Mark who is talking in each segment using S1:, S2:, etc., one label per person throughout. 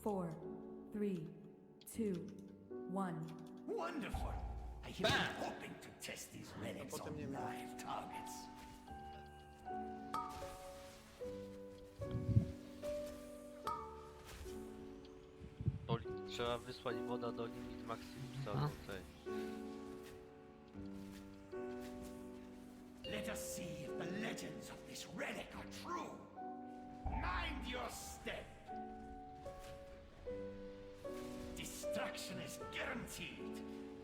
S1: 4, 3, 2, 1.
S2: Wonderful! I have been hoping to test these relics on
S3: potem nie ma.
S2: live targets.
S4: Trzeba wysłać woda do limit Maximusa do tej.
S2: Let us see if the legends of this relic are true. Mind your step. Destruction is guaranteed.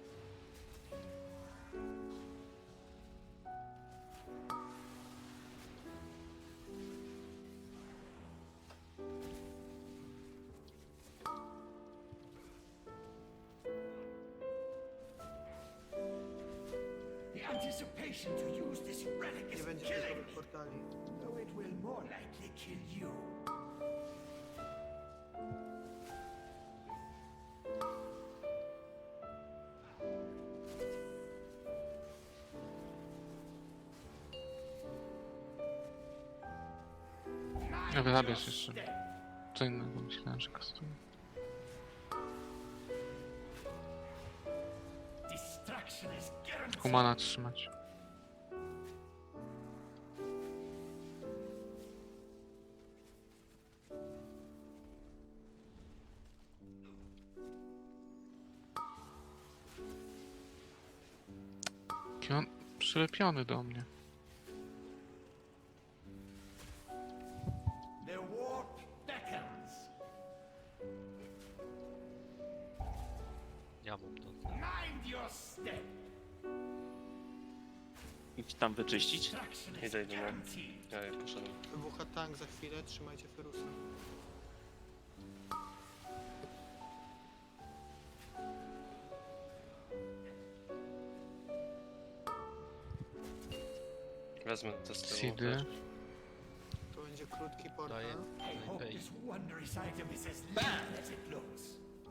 S2: The anticipation to use this relic
S3: Nie
S2: is
S3: będzie
S2: killing
S3: gotowych
S2: me,
S3: portali.
S2: though it will more likely kill you.
S5: Ja zabierz jeszcze. Co innego myślałem, że kastuje.
S2: Destruction is guaranteed.
S5: Humana trzymać. Jaki on przylepiony do mnie.
S2: The warp beckons.
S4: Ja mam to.
S2: Mind your step.
S6: Idź tam wyczyścić.
S2: Destruction is
S6: Idę,
S2: guaranteed.
S6: Ja poszedłem.
S3: Wybucha tank za chwilę, trzymajcie Ferusa.
S6: Wezmę to z tyłu.
S5: Seedy.
S3: To będzie krótki portal.
S4: Daję.
S2: I hope
S4: Daję.
S2: this wondrous item is as little as it looks.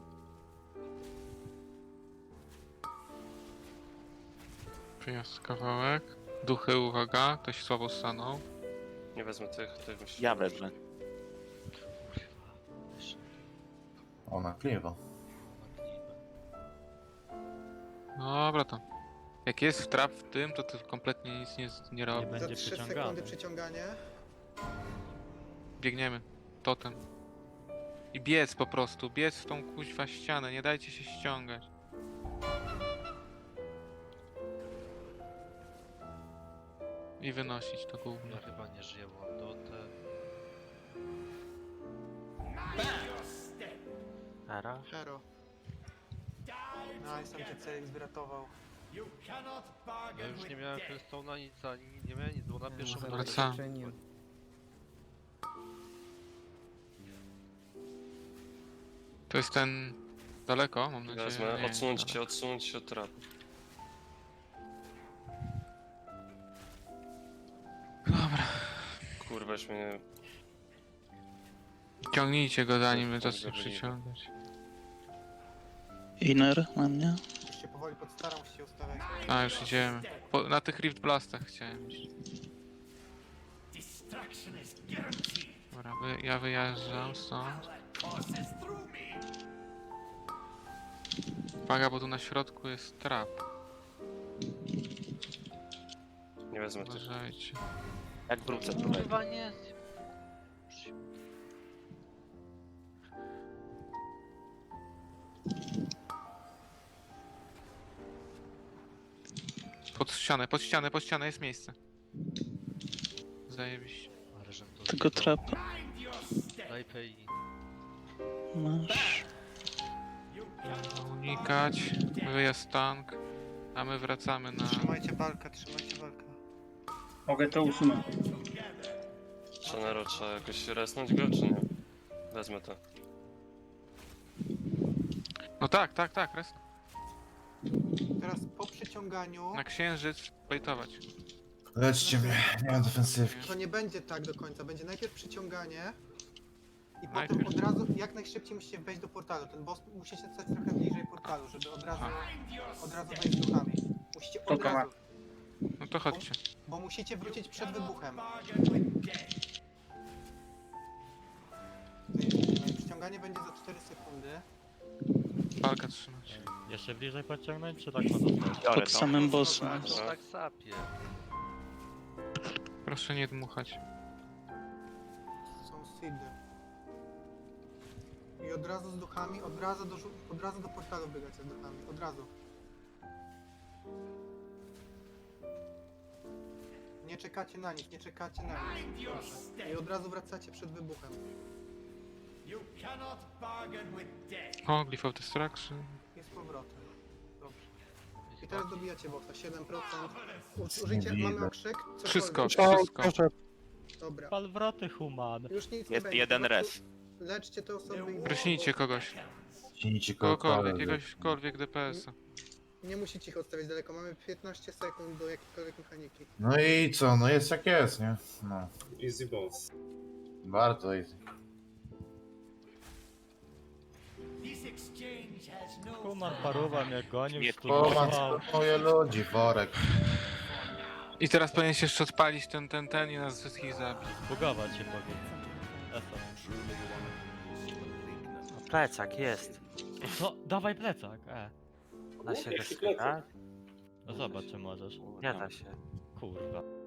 S5: Przyniosę kawałek. Duchy, uwaga. Ktoś słabo stanął.
S6: Nie wezmę tych myśli.
S7: Ja wezmę.
S8: Ona kliewa.
S5: Dobra to. Jak jest trap w tym, to kompletnie nic nie robi.
S3: Za
S4: Będzie
S3: 3
S4: przeciągany.
S3: sekundy przeciąganie.
S5: Biegniemy. Totem. I biec po prostu. Biec w tą kuźwa ścianę. Nie dajcie się ściągać. I wynosić to gówno.
S4: Ja chyba nie żyję, mam dotę.
S2: Mind your step.
S7: Ara.
S3: Hero.
S2: Die
S3: Nice, tam cię Celix wyratował.
S2: You cannot
S4: Ja
S2: bargain
S4: już nie
S2: with
S4: miałem
S2: death.
S4: Flintstone'a nic, ani nie miałem nic, bo na pierwszą
S5: Wracam. To jest ten... Daleko, mam nadzieję.
S6: Wezmę.
S5: Nie,
S6: Odsunąć się od trapu.
S5: Dobra.
S6: Kurwa, już mnie...
S5: Ciągnijcie go zanim
S6: Tak,
S5: zacznie
S6: tak,
S5: przyciągać.
S7: Inner na mnie.
S3: Już się powoli podstaram, musicie ustawiać.
S5: A, już idziemy. Na tych Rift Blastach chciałem iść.
S2: Destruction is guaranteed.
S5: Dobra, ja wyjeżdżam stąd.
S2: Courses through me.
S5: Uwaga, bo tu na środku jest trap.
S6: Nie wezmę tych.
S5: Uważajcie.
S7: Jak wrócę tutaj.
S4: Kurwa nie.
S5: Pod ścianę jest miejsce. Zajebiście.
S4: Ale żem to
S7: Tylko
S4: zjebał.
S7: trapa.
S2: Mind your step.
S4: Daj PI.
S7: Masz.
S2: You cannot
S5: Unikać. Wyjazd tank. A my wracamy na...
S3: Trzymajcie walkę, trzymajcie walkę.
S9: Mogę to usunąć.
S2: together.
S6: Szanero, trzeba jakoś resnąć go, czy nie? Wezmę to.
S5: No tak, res.
S3: Teraz po przyciąganiu
S5: Na księżyc bejtować.
S8: Leczcie mnie, nie mam defensywki.
S3: to nie będzie tak do końca. Będzie najpierw przyciąganie i potem
S5: Najpierw.
S3: od razu, jak najszybciej musicie wejść do portalu. Ten boss musicie stać trochę bliżej portalu, żeby od razu wejść duchami. Musicie od
S9: Spoko,
S3: razu,
S5: No to chodźcie.
S3: bo musicie wrócić przed wybuchem.
S2: Bargain with death.
S3: Przyciąganie Bieganie będzie za 4 sekundy.
S5: Walka trzymać.
S10: Jeszcze bliżej podciągnąć, czy tak ma zostać?
S7: Pod samym bossem.
S4: To tak sapie.
S5: Proszę nie dmuchać.
S3: Są seedy. I od razu z duchami, od razu do portalu biegacie z duchami, od razu. Nie czekacie na nich, nie czekacie na nich.
S2: Mind your
S3: Proszę. I
S2: step.
S3: od razu wracacie przed wybuchem.
S2: You cannot bargain with death.
S5: O, Glyph of Destruction.
S3: I z powrotem. Dobrze. I teraz dobijacie bossa, 7%.
S2: Marvelous.
S3: Użyjcie,
S8: Nie
S3: mamy
S8: widzę.
S3: okrzyk?
S5: Wszystko,
S3: Cokolwiek.
S5: wszystko.
S3: Dobra.
S10: Palwroty human.
S3: Już nic nie
S7: Jest
S3: będzie.
S7: jeden
S3: po prostu
S7: res.
S3: Leczcie te osoby i
S5: Pryśnijcie kogoś.
S8: Ciśnijcie
S5: Kogokolwiek,
S8: kogokolwiek.
S5: jakiegokolwiek DPS-a.
S3: nie musicie ich odstawiać daleko. Mamy 15 sekund do jakiejkolwiek mechaniki.
S8: No i co, no jest jak jest, nie? No.
S9: Easy boss.
S8: Bardzo easy.
S2: This exchange has no
S10: Human paruwa mnie gonił,
S7: Nie,
S8: Poman,
S10: studował.
S8: moje ludzi, worek.
S5: I teraz powinien się jeszcze odpalić ten i nas wszystkich zabić.
S10: Bugować się powinien. Eso.
S7: No, plecak jest.
S10: No, dawaj plecak,
S7: Da się wyskakać?
S10: No zobacz, czy możesz.
S7: Nie da się.
S10: Kurwa.